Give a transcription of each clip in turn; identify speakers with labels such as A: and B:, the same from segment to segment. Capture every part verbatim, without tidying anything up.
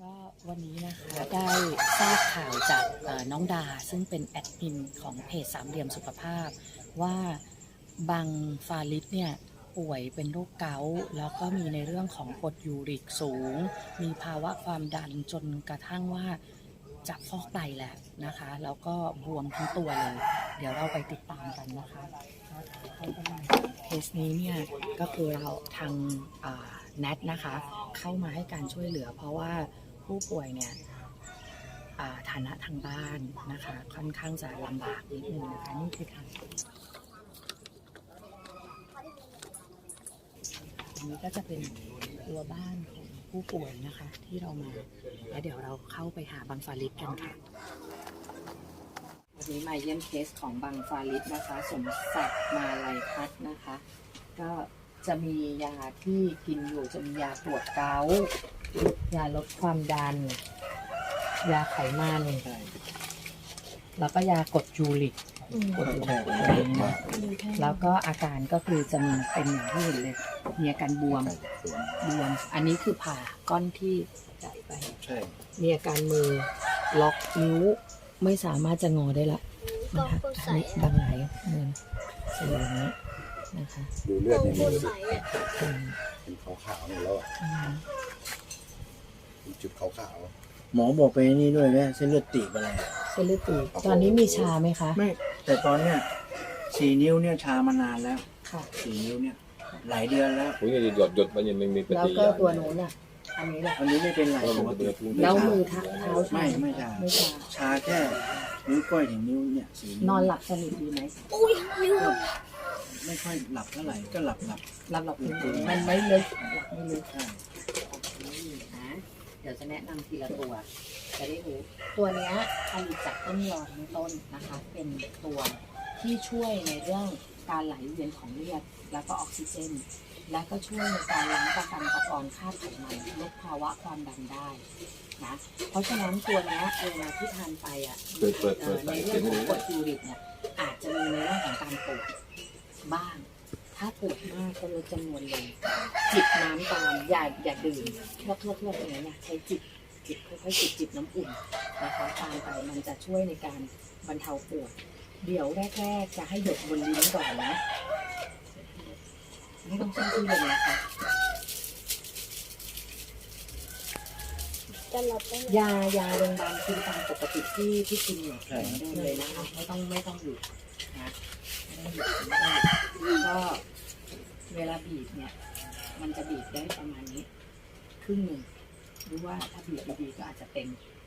A: ก็วันนี้นะคะได้ทราบข่าวจากน้องดาซึ่งเป็นแอดมินของเพจสามเหลี่ยมสุขภาพว่าบังฟาริสเนี่ยป่วยเป็นโรคเกาต์แล้วก็มีในเรื่องของกรดยูริกสูงมีภาวะความดันจนกระทั่งว่าจะฟอกไตแล้วนะคะแล้วก็บวมทั้งตัวเลยเดี๋ยวเราไปติดตามกันนะคะเคสนี้เนี่ยก็คือเราทางแนทนะคะเข้ามาให้การช่วยเหลือเพราะว่าผู้ป่วยเนี่ยฐานะทางบ้านนะคะค่อนข้างจะลำบากนิดนึงนะคะนี่คือทางอันนี้ก็จะเป็นตัวบ้านของผู้ป่วยนะคะที่เรามาแล้วเดี๋ยวเราเข้าไปหาบังฟาริสกันค่ะวันนี้มาเยี่ยมเคสของบังฟาริสนะคะสมศักดิ์มาลัยพัฒน์นะคะก็จะมียาที่กินอยู่จะมียาปวดเกาต์ยาลดความดันยาไขมันแล้วก็ยากดยูริกกดยูริกแล้วก็อาการก็คือจะมีเป็นอย่างที่เห็นเลยมีอาการบวมบวมอันนี้คือผ่าก้อนที่ใส่ไปมีอาการมือล็อกนิ้วไม่สามารถจะงอได้ละนะคะอันนี้บางไหนเงินสีอย่างนี้นะคะ
B: ดูเลือดในมือเป็นขาวๆเนี่ยแล้วเป็นจุดขาว
C: ๆหมอบอกไปนี่ด้วยแม่เส้นเลือดตีบอะไร
A: เส้นเลือดตีบตอนนี้มีชาไหมคะ
C: ไม่แต่ตอนเนี้ยสี่นิ้วเนี่ยชามานานแล้ว
A: ค่ะ
C: สี่นิ้วเนี่ยหลายเดือนแล้ว
D: ผมยังหยดหยดมันยังไม่มีปฏิ
A: แล้วก็ตัวโน้นอ่ะอันนี้แหละ
C: อันนี้ไม่เป็นไร
A: แล้วมือเท้าชา
C: ไม่ไม่ชาไม่ชาชาแค่นิ้วก้อยถึงนิ้วเนี่ยสี่
A: นอนหลับสนิทดีไหม
E: อุ้ยนิ้ว
C: ไม่ค่อยหลับเท่าไหร่ก็หลับหลับ
A: หลับหลับมันไม่ลึกหลับไม่ลึกนะเดี๋ยวจะแนะนำทีละตัวจะได้รู้ตัวนี้ผลิตจากต้นยอทั้งต้นนะคะเป็นตัวที่ช่วยในเรื่องการไหลเวียนของเลือดแล้วก็ออกซิเจนและก็ช่วยในการล้างตะกันตะกอนค่าไขมันลดภาวะความดันได้นะเพราะฉะนั้นตัวนี้เวลาที่ทานไปอ่ะในเรื่องของกรดยูริกเนี่ยอาจจะมีในเรื่องของการปวดบ้างถ้าปวดมากก็ลดจำนวนลงจิบน้ำตามอย่าอย่าดื่มเพื่อเพื่อเพื่ออย่างเงี้ยใช้จิบจิบค่อยๆจิบจิบน้ำอุ่นนะคะตามไปมันจะช่วยในการบรรเทาปวดเดี๋ยวแรกๆจะให้หยดบนลิ้นก่อนนะไม่ต้องใช้ที่เลยนะคะยายาโรงพยาบาลกินตามปกติที่ที่กินอยู่เหมือนเดิมเลยนะคะไม่ต้องไม่ต้องหยุดนะไม่ต้องหยุดไม่ต้องหยุดก็เวลาบีบเนี่ยมันจะบีบได้ประมาณนี้ครึ่งหนึ่งหรือว่าถ้าบีบดีๆก็อาจจะเต็ม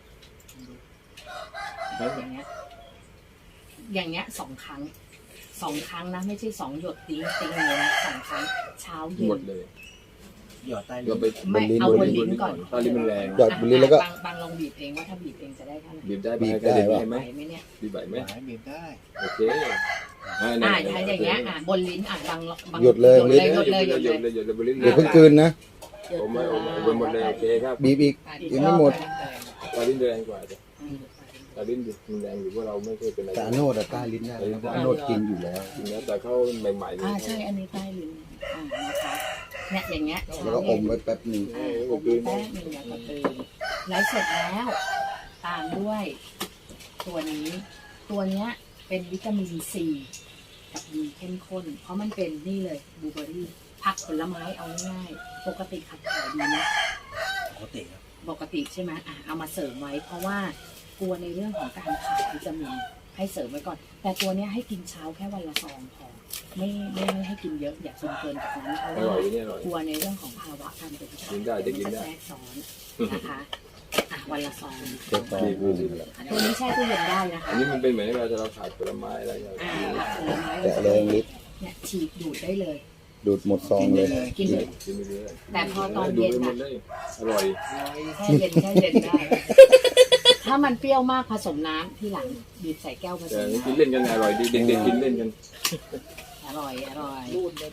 A: ดูอย่างเงี้ยอย่างเงี้ยสองครั้งสองครั้งนะไม่ใช่สองหยดติ้งติ้งเลยนะสองครั้งเช้าเย็น
D: หมดเลย
C: หยอดใต้
D: ลิ้น
A: ไม่เอาบนลิ้นก่อน
D: ใต้ลิ้นมันแรง
B: หยอดบนลิ้นแล้วก็
A: บางลองบีบเองว่าถ้าบีบเองจะได้เท่าไหร่
D: บีบได้บีบได้ไหม
A: ไหมเนี่ย
D: บีบไหวไหม
C: บีบได้
D: โอเค
A: อ่าถ้าอย่างเงี้ยอ่าบนลิ้นอ่าบางบาง
B: หยดเลย
A: หยดเลยหยดเลยหยดเลย
D: หยดเลยบนลิ้น
B: เดี๋ยวเพิ่งกลืนนะ
D: ผมไม่ผมไม่หมดเลยโอเคครับ
B: บีบอีกยังไม่หมด
D: ใต้ลิ้นแรงกว่าใต้ลิ้นมันแรงอยู่ว่าเราไม่เคยเป็นอะไร
B: แต่อโนดใต้ลิ้นได้แล้วอโนดกินอยู่แล้ว
D: กินแล้วแต่เขาใหม่ๆ
A: อ่าใช่อันนี้ใต้ลิ้นอ่านะคะเนี่ยอย่างเงี้ย
B: แล้วก็อมไว้แป๊บนึง
A: อมไว้แป๊บนึงแล้วก็ตื่นแล้วเสร็จแล้วตามด้วยตัวนี้ตัวเนี้ยเป็นวิตามินซีกับดีเข้มข้นเพราะมันเป็นนี่เลยบลูเบอร์รี่ผักผลไม้เอาง่ายๆปกติขับถ่ายดีไหม
C: ปกติ
A: ปกติใช่ไหมอ่ะเอามาเสริมไว้เพราะว่ากลัวในเรื่องของการขาดวิตามินให้เสริมไว้ก่อนแต่ตัวนี้ให้กินเช้าแค่วันละซองพอไม่ไม่ไม่ให้กินเยอะอย่ากินเกินจากนั้นเพราะว่ากลัวในเรื่องของภาวะการเป็นประสาทจะแทรกซ้อนนะคะอ่ะวันละซองตัวนี้แช่ตู้เย็นได้นะคะ
D: อันนี้มันเป็นเหมือนเวลาเราขาดผลไม้อะไรอย่างเงี้ย
A: ผลไม้
B: แตะเลยนิด
A: เนี่ยฉีดดูดได้เลย
B: ดูดหมดซองเลย
A: กินเลยแต่พอตอนเย็นน่ะ
D: อร่อย
A: แช่เย็นแช่เย็นได้ถ้ามันเปรี้ยวมากผสมน้ำที่หลังบีบใส่แก้วผสมน้ำ
D: กินเล่นกันอร่อยดีเด็กๆกินเล่นกัน
A: อร่อยอร่อย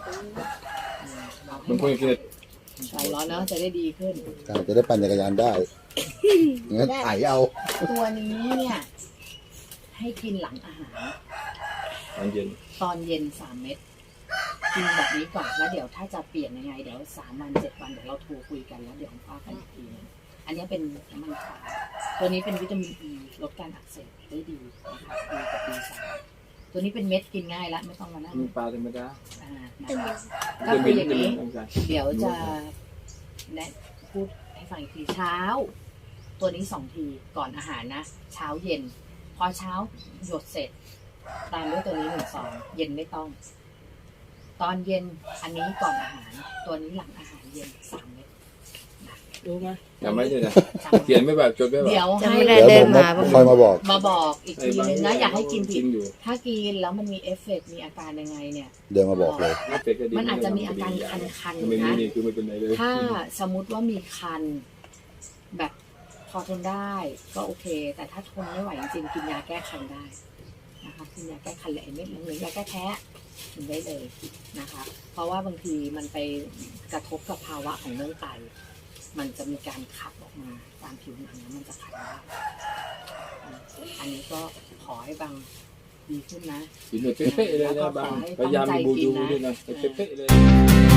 D: มันควรกิน
A: ใส่ร้อนเนาะจะได้ดีขึ้น
B: จะได้ปั่นจักรยานได้งั้นไถเอา
A: ตัวนี้เนี่ยให้กินหลังอาหาร
D: ตอนเย็น
A: ตอนเย็นสามเม็ดกินแบบนี้ก่อนแล้วเดี๋ยวถ้าจะเปลี่ยนยังไงเดี๋ยวสามวันเจ็ดวันเดี๋ยวเราโทรคุยกันแล้วเดี๋ยวป้ากันอีกทีนึงอันนี้เป็นน้ำมันขาวตัวนี้เป็นวิตามินอีลดการอักเสบได้ดีนะคะดีกับดีสามตัวนี้เป็นเม็ดกินง่ายละไม่ต้องมานั่ง
D: มีปลาธรรมดา
A: อ่านะคะก็คืออย่างนี้
D: ต้องการ
A: เดี๋ยวจะแนะพูดให้ฟังอีกทีเช้า ตัวนี้สองทีก่อนอาหารนะ เช้าเย็น พอเช้าหยดเสร็จ ตามด้วยตัวนี้หนึ่งซองเย็นไม่ต้อง ตอนเย็นอันนี้ก่อนอาหาร ตัวนี้หลังอาหารเย็นสามเม็ดนะรู้ไหม
D: จำไม่ใช่นะ
A: จำ
D: เขียนไม่แบบจดไม่แบบ
A: เดี๋ยว
E: จะ
A: ให้
E: ไม่ได้
B: เดี๋ยว
E: เดิ
B: ผ
E: น
B: ม
E: มา
B: คอยมาบอก
A: มาบอกอีกทีนึงนะอย่าให้กินผิด
D: อยู่
A: ถ้ากินแล้วมันมีเอฟเฟกต์มีอาการยังไงเนี่ย
B: เดินมาบอกเลย
D: ไม่เป็ก็ดี
A: มันอาจจะมีอาการคันๆ
D: ไม่มี
A: นะ
D: นี่คือไม่เป็นไรเลย
A: ถ้าสมมุติว่ามีคันแบบพอทนได้ก็โอเค แต่ถ้าทนไม่ไหวจริงๆกินยาแก้คันได้นะคะกินยาแก้คันแหละเม็ดหรือยาแก้แพ้กินได้เลยนะคะ เพราะว่าบางทีมันไปกระทบกับภาวะของเรื่องไตมันจะมีการขับออกมาตามผิวหนังแล้วมันจะขัดได้อันนี้ก็ขอให้บางดีขึ้นนะ
D: กินแบบเป๊ะๆเลยนะบางพยายามดูดูด้วยนะเป๊ะๆเลย